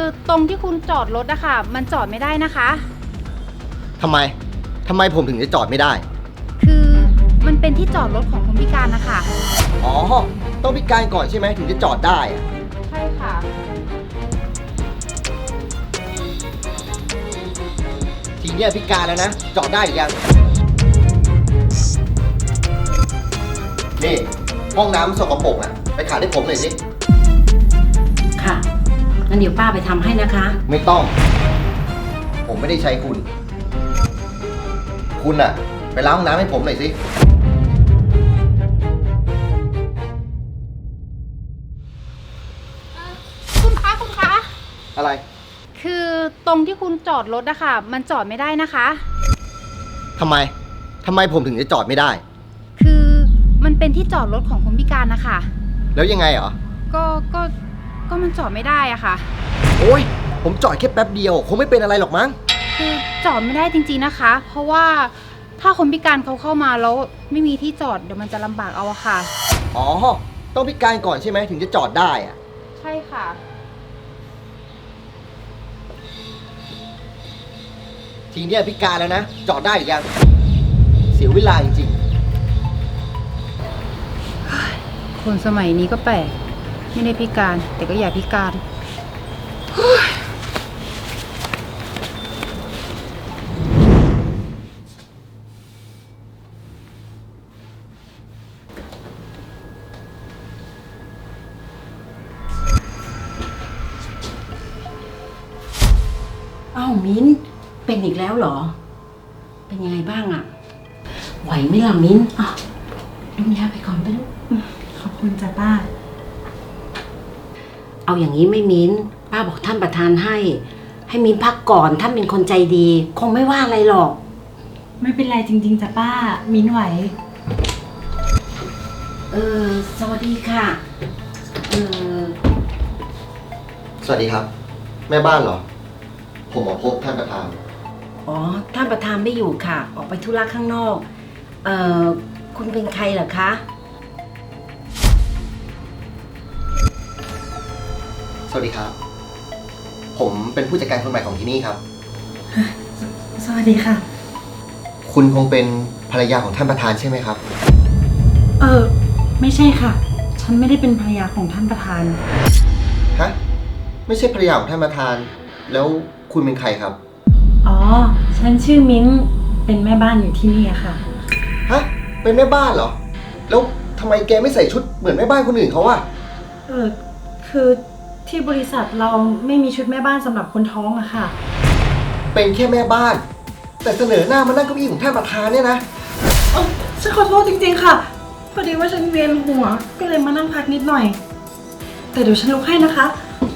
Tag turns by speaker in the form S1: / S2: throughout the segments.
S1: ตรงที่คุณจอดรถอะค่ะมันจอดไม่ได้นะคะ
S2: ทำไมผมถึงจะจอดไม่ได้
S1: คือมันเป็นที่จอดรถของคนพิการนะคะ
S2: อ๋อ ต้องพิการก่อนใช่ไหมถึงจะจอดได้อะ
S1: ใช่ค่ะ
S2: ทีเนี้ยพิการแล้วนะ จอดได้หรือยัง นี่ห้องน้ำสกปรกอ่ะ ไปขัดให้ผมหน่อยสิ
S3: ค่ะ งั้นเดี๋ยวป้าไปทำให้นะคะ
S2: ไม่ต้อง ผมไม่ได้ใช้คุณ คุณอะไปล้างห้องน้ำให้ผมหน่อยสิ
S1: คุณคะ
S2: อะไร
S1: คือตรงที่คุณจอดรถอะค่ะมันจอดไม่ได้นะคะ
S2: ทำไมผมถึงจะจอดไม่ได้
S1: คือมันเป็นที่จอดรถของคนพิการนะคะ
S2: แล้วยังไงเหรอ
S1: ก็มันจอดไม่ได้อะค่ะ
S2: โอ้ย ผมจอดแค่แป๊บเดียว คงไม่เป็นอะไรหรอกมั้ง
S1: คือจอดไม่ได้จริงๆนะคะ เพราะว่าถ้าคนพิการเขาเข้ามาแล้วไม่มีที่จอดเดี๋ยวมันจะลำบากเอาอะค่ะ
S2: อ๋อ ต้องพิการก่อนใช่ไหมถึงจะจอดได้อะ
S1: ใช่ค่ะ
S2: ทีเนี้ยพิการแล้วนะ จอดได้หรือยัง เสียเวลาจริง
S1: คนสมัยนี้ก็แปลกไม่ได้พิการแต่ก็อยากพิการ
S3: อ้าวมิ้น เป็นอีกแล้วเหรอ เป็นยังไงบ้างอะไหวไหมล่ะมิ้นอ่ะดมยาไปก่อนไปลูก
S4: ขอบคุณจ้ะป้า
S3: เอาอย่างนี้ไม่มิ้น ป้าบอกท่านประธานให้มิ้นพักก่อนท่านเป็นคนใจดี คงไม่ว่าอะไรหรอก
S4: ไม่เป็นไรจริงๆจ้ะป้า มิ้นไหว
S3: สวัสดีค่ะ
S2: ๆ สวัสดีครับ แม่บ้านเหรอ ผมมาพบท่านประธาน
S3: อ๋อ ท่านประธานไม่อยู่ค่ะ ออกไปธุระข้างนอก คุณเป็นใครเหรอคะ
S2: สวัสดีครับ ผมเป็นผู้จัดการคนใหม่ของที่นี่ครับ
S4: สวัสดีค่ะ
S2: คุณคงเป็นภรรยาของท่านประธานใช่ไหมครับ
S4: ไม่ใช่ค่ะ ฉันไม่ได้เป็นภรรยาของท่านประธาน
S2: ฮะ ไม่ใช่ภรรยาของท่านประธาน แล้วคุณเป็นใครครับ
S4: อ๋อ ฉันชื่อมิ้น เป็นแม่บ้านอยู่ที่นี่อะค่ะ
S2: ฮะ เป็นแม่บ้านเหรอ แล้วทำไมแกไม่ใส่ชุดเหมือนแม่บ้านคนอื่นเขาอะ
S4: คือที่บริษัทเราไม่มีชุดแม่บ้านสำหรับคนท้องอะค่ะ
S2: เป็นแค่แม่บ้าน แต่เสนอหน้ามานั่งเก้าอี้ของท่านประธานเนี่ยนะ
S4: ฉันขอโทษจริงๆค่ะ พอดีว่าฉันเวียนหัว ก็เลยมานั่งพักนิดหน่อย แต่เดี๋ยวฉันลุกให้นะคะ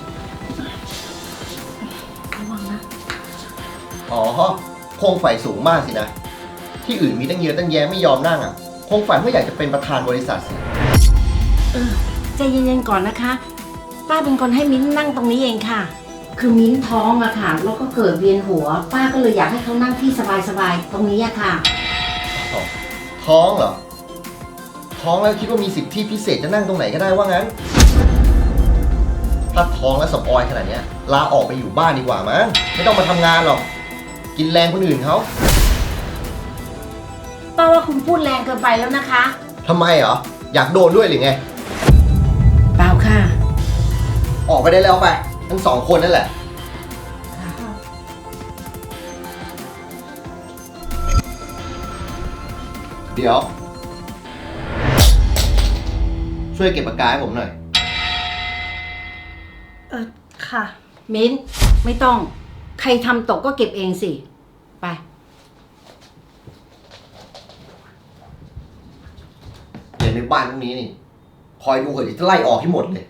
S4: ระวังนะ
S2: อ๋อ คงฝ่ายสูงมากสินะ ที่อื่นมีตั้งเยอะตั้งแยะไม่ยอมนั่งอ่ะ คงฝันว่าอยากจะเป็นประธานบริษัทสิ
S3: ใจเย็นๆก่อนนะคะ ป้าเป็นคนให้มิ้นนั่งตรงนี้เองค่ะ คือมิ้นท้องอะค่ะ แล้วก็เกิดเวียนหัว ป้าก็เลยอยากให้เขานั่งที่สบายๆตรงนี้อะค่ะ
S2: ท้องเหรอ ท้องแล้วคิดว่ามีสิทธิพิเศษจะนั่งตรงไหนก็ได้ว่างั้น ถ้าท้องแล้วสปอยขนาดเนี้ยลาออกไปอยู่บ้านดีกว่ามั้ง ไม่ต้องมาทำงานหรอก กินแรงคนอื่นเขา
S3: ป้าว่าคุณพูดแรงเกินไปแล้วนะคะ
S2: ทำไมเหรอ อยากโดนด้วยหรือไง
S3: เปล่าค่ะ
S2: ออกไปได้แล้วไป ทั้งสองคนนั่นแหละ เดี๋ยว ช่วยเก็บปากกาให้ผมหน่อย
S4: ค่ะ
S3: มิ้นไม่ต้อง ใครทำตกก็เก็บเองสิ ไป
S2: เดี๋ยวในบ้านพวกนี้นี่ คอยดูเถอะเดี๋ยวจะไล่ออกให้หมดเลย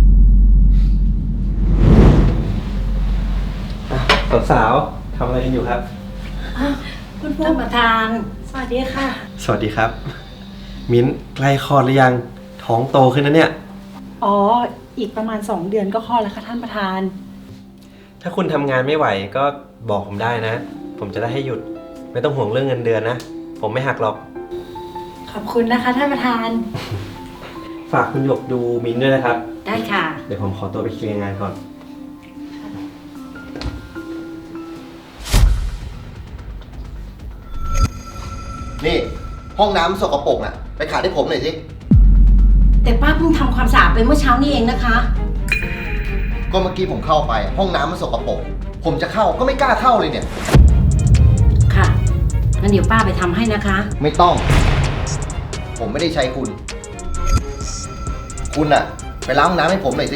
S5: สาวๆทำอะไรกันอยู่ครับ
S4: คุณผู้
S3: ท่านประธาน
S4: สวัสดีค่ะ
S5: สวัสดีครับ มิ้นใกล้คลอดหรือยัง ท้องโตขึ้นนะเนี่ย
S4: อ๋อ อีกประมาณ 2 เดือนก็คลอดแล้วค่ะท่านประธาน
S5: ถ้าคุณทำงานไม่ไหวก็บอกผมได้นะ ผมจะได้ให้หยุด ไม่ต้องห่วงเรื่องเงินเดือนนะ ผมไม่หักหรอก
S4: ขอบคุณนะคะท่านประธาน
S5: ฝากคุณหยกดูมิ้นด้วยนะครับ
S3: ได้ค่ะ
S5: เดี๋ยวผมขอตัวไปเคลียร์งานก่อน
S2: นี่ห้องน้ำสกปรกน่ะ ไปขัดให้ผมหน่อยสิ
S3: แต่ป้าเพิ่งทำความสะอาดไปเมื่อเช้านี้เองนะคะ
S2: ก็เมื่อกี้ผมเข้าไป ห้องน้ำมันสกปรก ผมจะเข้าก็ไม่กล้าเข้าเลยเนี่ย
S3: ค่ะงั้นเดี๋ยวป้าไปทำให้นะคะ
S2: ไม่ต้อง ผมไม่ได้ใช้คุณ คุณอะไปล้างห้องน้ำให้ผมหน่อยสิ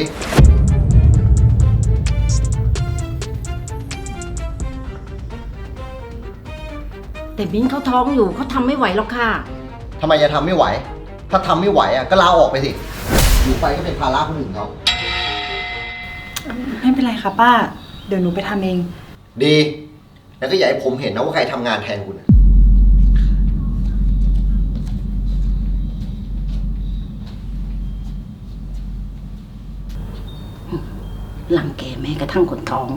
S3: แต่มิ้นเขาท้องอยู่เขาทำไม่ไหวหรอกค่ะ
S2: ทำไมจะทำไม่ไหว ถ้าทำไม่ไหวอะก็ลาออกไปสิ อยู่ไปก็เป็นภาระคนอื่นเขา
S4: ไม่เป็นไรค่ะป้า เดี๋ยวหนูไปทำเอง
S2: ดี แล้วก็อย่าให้ผมเห็นนะว่าใครทำงานแทนคุณอะ
S3: หลังแกแม้กระทั่งคนท้อง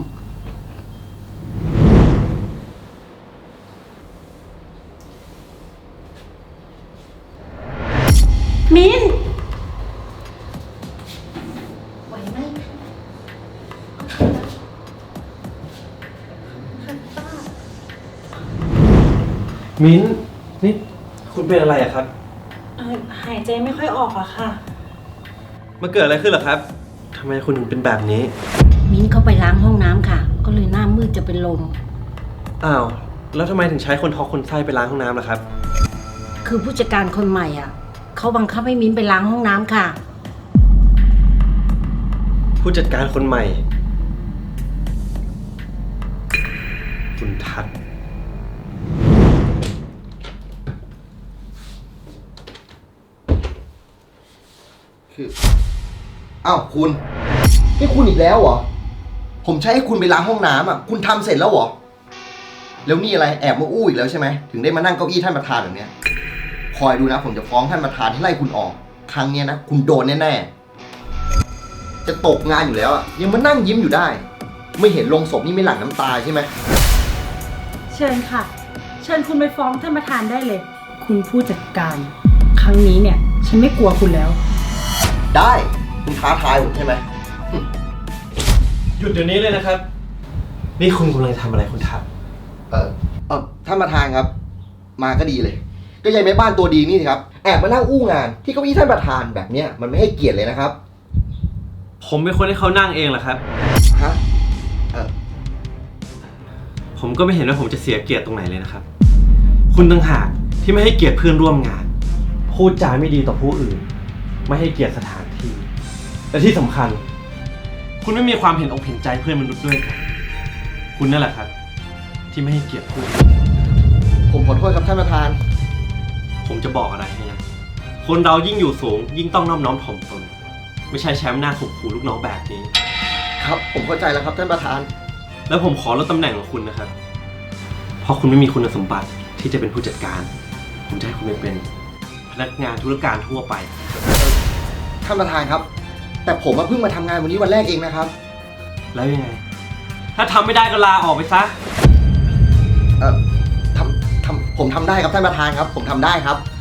S3: มิ้นไหวไหม
S5: มิ้นนี่คุณเป็นอะไรอะครับ
S4: หายใจไม่ค่อยออกอะค่ะ
S5: มันเกิดอะไรขึ้นเหรอครับทำไมคุณถึงเป็นแบบนี้
S3: มิ้นเขาไปล้างห้องน้ำค่ะ ก็เลยหน้ามืดจะเป็นลม
S5: อ้าว แล้วทำไมถึงใช้คนท้องคนไส้ไปล้างห้องน้ำล่ะครับ
S3: คือผู้จัดการคนใหม่อ่ะเขาบังคับให้มิ้นไปล้างห้องน้ำค่ะ
S5: ผู้จัดการคนใหม่ คุณทัศน์
S2: คืออ้าวคุณนี่คุณอีกแล้วเหรอ ผมใช้ให้คุณไปล้างห้องน้ำอ่ะ คุณทำเสร็จแล้วเหรอ แล้วนี่อะไรแอบมาอู้อีกแล้วใช่ไหม ถึงได้มานั่งเก้าอี้ท่านประธานแบบเนี้ย คอยดูนะ ผมจะฟ้องท่านประธานให้ไล่คุณออก ครั้งเนี้ยนะ คุณโดนแน่ๆ จะตกงานอยู่แล้วอ่ะ ยังมานั่งยิ้มอยู่ได้ ไม่เห็นลงศพนี่ไม่หลั่งน้ำตาใช่ไหม
S4: เชิญค่ะ เชิญคุณไปฟ้องท่านประธานได้เลย คุณผู้จัดการ ครั้งนี้เนี่ย ฉันไม่กลัวคุณแล้ว
S2: ได้ คุณท้าทายผมใช่ไหม
S5: หยุดเดี๋ยวนี้เลยนะครับ นี่คุณกำลังทำอะไรคุณทัศน์
S2: ท่านประธานครับ มาก็ดีเลย ก็ยายแม่บ้านตัวดีนี่สิครับ แอบมานั่งอู้งาน ที่เก้าอี้ท่านประธานแบบเนี้ยมันไม่ให้เกียรติเลยนะครับ
S5: ผมเป็นคนให้เขานั่งเองเหรอครับ
S2: ฮะ
S5: ผมก็ไม่เห็นว่าผมจะเสียเกียรติตรงไหนเลยนะครับ คุณต่างหากที่ไม่ให้เกียรติเพื่อนร่วมงาน พูดจาไม่ดีต่อผู้อื่น ไม่ให้เกียรติสถานที่ และที่สำคัญ คุณไม่มีความเห็นอกเห็นใจเพื่อนมนุษย์ด้วยครับคุณนั่นแหละครับ ที่ไม่ให้เกียรติผู้อื่น
S2: ผมขอโทษครับท่านประธาน
S5: ผมจะบอกอะไรให้นะคนเรายิ่งอยู่สูง ยิ่งต้องนอบน้อมถ่อมตน ไม่ใช่แชมป์หน้าข่มขู่ลูกน้องแบบนี้
S2: ครับ ผมเข้าใจแล้วครับท่านประธาน
S5: แล้วผมขอลดตำแหน่งของคุณนะครับ เพราะคุณไม่มีคุณสมบัติที่จะเป็นผู้จัดการ ผมจะให้คุณไปเป็นพนักงานธุรการทั่วไป
S2: ท่านประธานครับ แต่ผมเพิ่งมาทำงานวันนี้วันแรกเองนะครับ
S5: แล้วยังไง ถ้าทำไม่ได้ก็ลาออกไปซะ
S2: ผมทำได้ครับท่านประธานครับ ผมทำได้ครับ